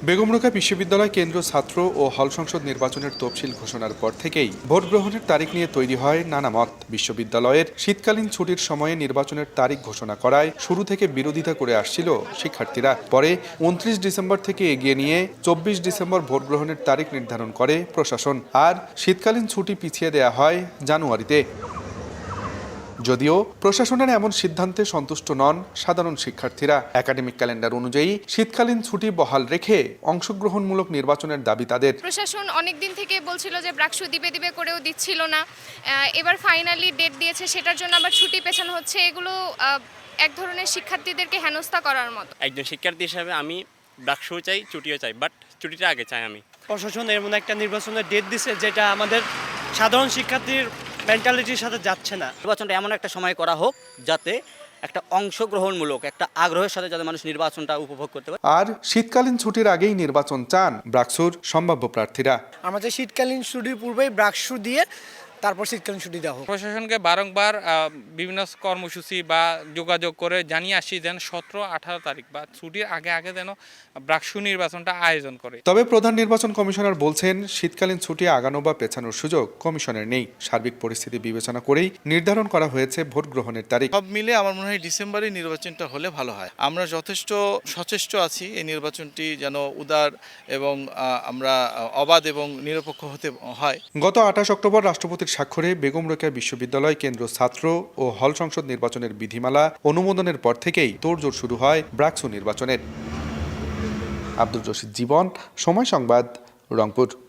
বেগম রোকেয়া বিশ্ববিদ্যালয় কেন্দ্রীয় ছাত্র ও হল সংসদ নির্বাচনের তফসিল ঘোষণার পর থেকেই ভোট গ্রহণের তারিখ নিয়ে তৈরি হয় নানা মত। বিশ্ববিদ্যালয়ের শীতকালীন ছুটির সময়ে নির্বাচনের তারিখ ঘোষণা করায় শুরু থেকে বিরোধিতা করে আসছিল শিক্ষার্থীরা। পরে ২৯ ডিসেম্বর থেকে এগিয়ে নিয়ে ২৪ ডিসেম্বর ভোট গ্রহণের তারিখ নির্ধারণ করে প্রশাসন, আর শীতকালীন ছুটি পিছিয়ে দেয়া হয় জানুয়ারিতে। যদিও প্রশাসনের এমন সিদ্ধান্তে সন্তুষ্ট নন সাধারণ শিক্ষার্থীরা। একাডেমিক ক্যালেন্ডার অনুযায়ী শীতকালীন ছুটি বহাল রেখে অংশগ্রহণমূলক নির্বাচনের দাবি তাদের। প্রশাসন অনেক দিন থেকে বলছিল যে ব্রাকসু দিবে করেও দিচ্ছিল না, এবার ফাইনালি ডেট দিয়েছে, সেটার জন্য আবার ছুটি পেছানো হচ্ছে। এগুলো এক ধরনের শিক্ষার্থীদেরকে হেনস্থা করার মতো। একজন শিক্ষার্থী হিসেবে আমি ব্রাকসু চাই, ছুটিও চাই, বাট ছুটিটা আগে চাই আমি। প্রশাসন এর মধ্যে একটা নির্বাচনের ডেট দিছে, যেটা আমাদের সাধারণ শিক্ষার্থীর মেন্টালিটির সাথে যাচ্ছে না। নির্বাচনটা এমন একটা সময় করা হোক যাতে একটা অংশগ্রহণমূলক একটা আগ্রহের সাথে যাতে মানুষ নির্বাচনটা উপভোগ করতে পারে। আর শীতকালীন ছুটির আগেই নির্বাচন চান ব্রাকসুর সম্ভাব্য প্রার্থীরা। আমাদের শীতকালীন ছুটির পূর্বেই ব্রাকসু দিয়ে তারপর শীতকালীন ছুটি দেওয়া হোক। প্রশাসনকে বারংবার বিভিন্ন কর্মসূচি বা যোগাযোগ করে জানিয়ে আসি যেন ১৭-১৮ তারিখ বা ছুটির আগে যেন ব্রাকসু নির্বাচনটা আয়োজন করে। তবে প্রধান নির্বাচন কমিশনার বলছেন, শীতকালীন ছুটি আগানো বা পেছানোর সুযোগ কমিশনের নেই। সার্বিক পরিস্থিতি বিবেচনা করেই নির্ধারণ করা হয়েছে ভোট গ্রহণের তারিখ। সব মিলে আমার মনে হয় ডিসেম্বরে নির্বাচনটা হলে ভালো হয়। আমরা যথেষ্ট সচেষ্ট আছি এই নির্বাচনটি যেন উদার এবং আমরা অবাধ এবং নিরপেক্ষ হতে হয়। গত ২৮ অক্টোবর রাষ্ট্রপতির স্বাক্ষরে বেগম রোকেয়া বিশ্ববিদ্যালয় কেন্দ্র ছাত্র ও হল সংসদ নির্বাচনের বিধিমালা অনুমোদনের পর থেকেই তোড়জোড় শুরু হয় ব্রাকসু নির্বাচনের। আব্দুল রশিদ জীবন, সময় সংবাদ, রংপুর।